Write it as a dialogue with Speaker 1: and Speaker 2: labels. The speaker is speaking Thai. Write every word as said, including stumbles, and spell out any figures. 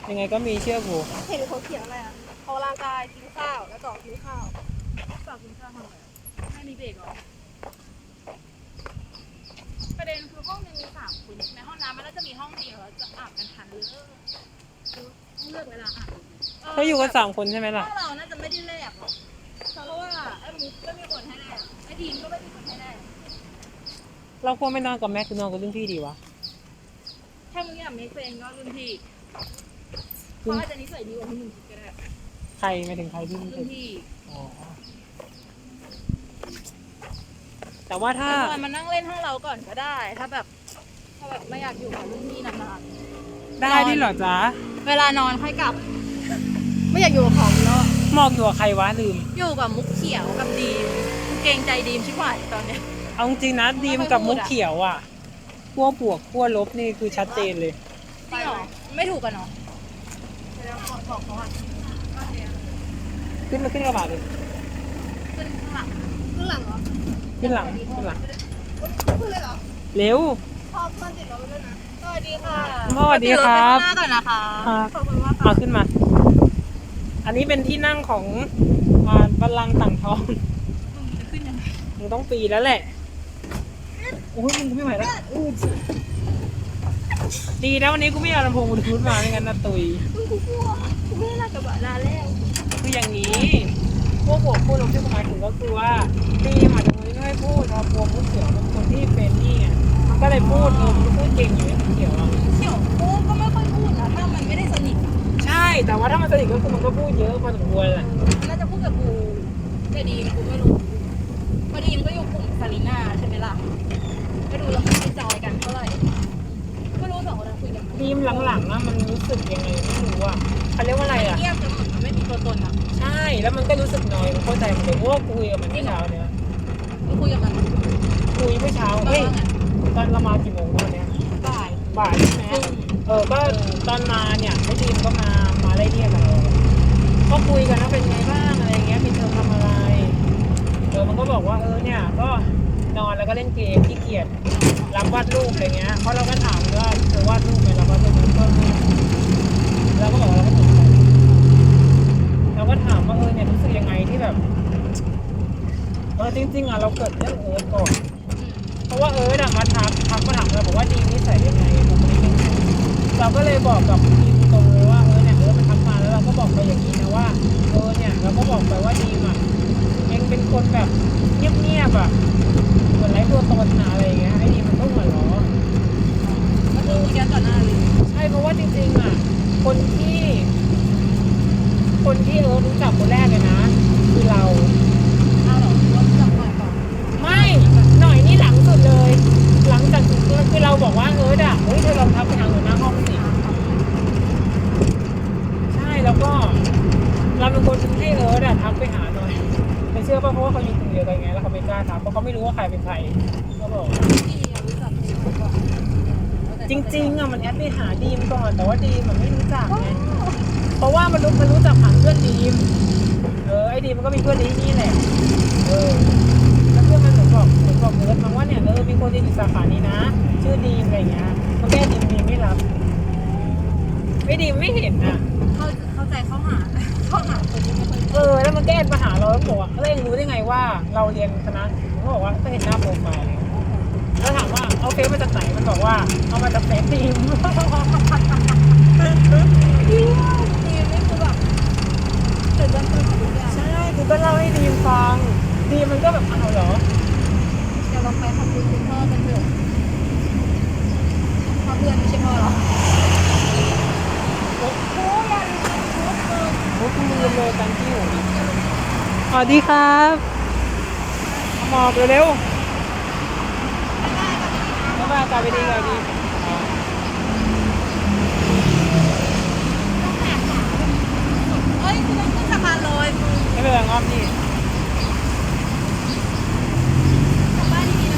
Speaker 1: ยังไงก็มีเชื่อกู
Speaker 2: เห็นเขาเขียนอะไรอ่ะออกกำลังกายกินข้าวแล้วต่อกินข้าว
Speaker 3: ต่อกินข้าวทำอะไรไม่มีเบรกหรอประเด็นคือห้องนึงมีสามคนในห้องน้ำมันน่าจะมีห้องเดียวจะอาบกันทันหรือเลือกเวลาอาบ
Speaker 1: เขาอยู่กันสามคนใช่ไหมล่ะ
Speaker 3: ห้องเราน่าจะไม่ได้แลกหรอกเพราะว่าไอ้มุกก็ไม่มีคนให้แลกไอ้ทีมก็ไม่มีคนให้แลก
Speaker 1: เราควรไม่นอนกับแม่คือนอนกับรุ่นพี่ดีวะ
Speaker 3: ถ้ามึงอยากมีเฟนก็รุ่นพี่เขาอาจจะนิสัยดีกว่าที่มึงคิดก็ได้
Speaker 1: ใครไม่ถึงใครที่
Speaker 3: รุ่นพี่
Speaker 1: แต่ว่าถ้า
Speaker 3: มานั่งเล่นห้องเราก่อนก็ได้ถ้าแบบถ้าแบบไม่อยากอยู่กับรุ่นพี่นาน
Speaker 1: ๆได้ที่หรอจ๊ะ
Speaker 3: เวลานอนค่อยกลับไม่อยากอยู่กับของแล้ว
Speaker 1: มองอยู่กับใครวะลืม
Speaker 3: อยู่กับมุกเขียวกับดีมเกรงใจดีมชิบหายตอนเนี้ย
Speaker 1: เอาจริงนะดีมกับมุกเขียวอ่ะขั้วบวกขั้วลบนี่คือชัดเจนเลย
Speaker 3: จริงเหรอไม่ถูกกันเนาะบอกเขาอ่ะ
Speaker 1: ขึ้นมาขึ้นกระบะเลย
Speaker 3: ขึ้นหลังขึ้นหลังเหรอ
Speaker 1: ขึ้นหลังขึ้นหลัง
Speaker 2: ขึ้นเลยเหรอ
Speaker 1: เร็ว
Speaker 2: พอเพื่อนติดรถไปด้วยนะสวัสดีค่ะ
Speaker 1: สวัสดีครับ
Speaker 3: หน้าก่อนนะคะ
Speaker 1: ขอบคุณมากมาขึ้นมาอันนี้เป็นที่นั่งของบัลลังก์ต่างทอง
Speaker 3: มึงจะขึ้นยังไง
Speaker 1: มึงต้องปีแล้วแหละโอ้ยมึงไม่ไหวแล้วดีนะวันนี้กูไม่เอาลำโพงบลูทูธมาไม่งั้นนะตุย
Speaker 2: มึงกูกลัวกูไม่ได้รักกับลาแล้ว
Speaker 1: คืออย่างนี้พวกพวกพูดลงที่หมายถึงก็คือว่าดีหมายถึงไม่ให้พูดเราพวกผู้เขียวเป็นคนที่เป็นนี่ไงมันก็เลยพูดเออมันพูดเก่งอยู่ไอ้เขียวอ่ะ
Speaker 3: เขียวพูดก็ไม่ค่อยพูดนะถ้ามันไม่ได้สนิท
Speaker 1: ใช่แต่ว่าถ้ามันสนิทก็คือมันก็พูดเยอะพอสมควรแหละ
Speaker 3: น่าจะพูดกับกูแต่ดีกูไม่รู้พอดีมันก็อยู่กลุ่มซาลีน่าใช่ไหมล่ะก็ดูแล้วมันไม่จอยกันเท่าไหร่ก็รู้สองคนคุยกัน
Speaker 1: ดีมหลังๆนะมันรู้สึกยังไงไม่รู้อ่ะเขาเรียกว่าอะไรอ่ะ
Speaker 3: เงียบจนมันไม่มีตัวตนอ่ะ
Speaker 1: ใช่แล้วมันก็รู้สึกน้อยเข้าใจมันเลยเพราะว่าคุยกับมันเมื่อเช้าเนี่ย
Speaker 3: คุยกับมัน
Speaker 1: คุยเมื่อเช้าเฮ้ยตอนเรามากี่โมงวันเนี้ย
Speaker 3: บ่าย
Speaker 1: บ่ายใช่ไหมเออก็ตอนมาเนี่ยไอ้ดีมก็มามาไล่เรียกเราก็คุยกันว่าเป็นไงบ้างอะไรเงี้ยปิดเทอมทำอะไรเออมันก็บอกว่าเออเนี่ยก็นอนแล้วก็เล่นเกมขี้เกียจรับวาดรูปอะไรเงี้ยเพราะเราก็ถามว่าเธอวาดรูปไหมเราก็จะรู้ก็เราก็บอกเราก็สนใจเราก็ถามว่าเออเนี่ยรู้สึกยังไงที่แบบเออจริงๆอ่ะเราเกิดเรื่องเอิร์ธก่อนเพราะว่าเอิร์ธอ่ะมาทักทักมาถามเราบอกว่าดีนิสัยยังไงเราก็เลยบอกกับทีมตรงเลยว่าเออเนี่ยเออมันทักมาแล้วเราก็บอกไปอย่างนี้นะว่าเออเนี่ยเราก็บอกไปว่าดีมอ่ะเองเป็นคนแบบเงียบๆอ่ะเหมือนไร้ตัวตนอะไรอย่างเงี้ยไอ้ดีมันก็หัวเราะ
Speaker 3: ก็คือคุยกันต่อหน้าเลย
Speaker 1: ใช่เพราะว่าจริงๆอ่ะคนที่คนที่เออรู้จักคนแรกเลยนะคือเรา
Speaker 3: อ้าวเหรอรู้จักหน่อยก่อน
Speaker 1: ไม่หน่อยนี่หลังสุดเลยหลังจากคือเราบอกว่าเอออ่ะเฮ้ยเธอลองทักไปทางหัวหน้าห้องสิใช่แล้วก็เราเป็นคนให้เอออ่ะทักไปหาหน่อยไม่เชื่อป่ะเพราะว่าเขาอยู่กลุ่มเดียวกันไงแล้วเขาไม่กล้าทักเพราะเขาไม่รู้ว่าใครเป็นใครเขาบอกจริงๆอ่ะมันแอดไปหาดีมก่อนแต่ว่าดีมมันไม่รู้จักไงเพราะว่ามันรู้มันรู้จักผ่านเพื่อนดีมเออไอ้ดีมมันก็มีเพื่อนที่นี่แหละเออแล้วเพื่อนมันเหมือนบอกเหมือนบอกเอิร์ธมาว่าเนี่ยเออมีคนที่อยู่สาขานี้นะชื่อดีมอะไรเงี้ยมันแก้ดีมดีไม่รับไม่ดีไม่เห็นอ่ะ
Speaker 3: เข้าเข้าใจเข้าหาเข้าหาคนที่ไม่เคย
Speaker 1: เออแล้วมันแก้มาหาเราแล้วบอกว่าเออเองรู้ได้ไงว่าเราเรียนคณะเขาบอกว่าก็เห็นหน้าโปรไฟล์แล้วถามว่าเอาเฟซมาจากไหนมันบอกว่าเอามาจากเฟซทีม
Speaker 3: ดีดีนี่คือแบบเกิดวันเกิดทุกอย่าง
Speaker 1: ใช่คือก็เล่าให้ดีมฟังดีมันก็แบบอ้าวเหรอ
Speaker 3: เดี๋ยวเราไปขอบคุณคุณพ่อกันเถอะพ่อเพื่อนไม่ใช่พ่อหรอ
Speaker 1: โอ้ยยันโอ้คุณลืมเลยกันที่อยู่สวัสดีครับหมอบเร็วๆบ๊ายบายกลับไปดีกลับดี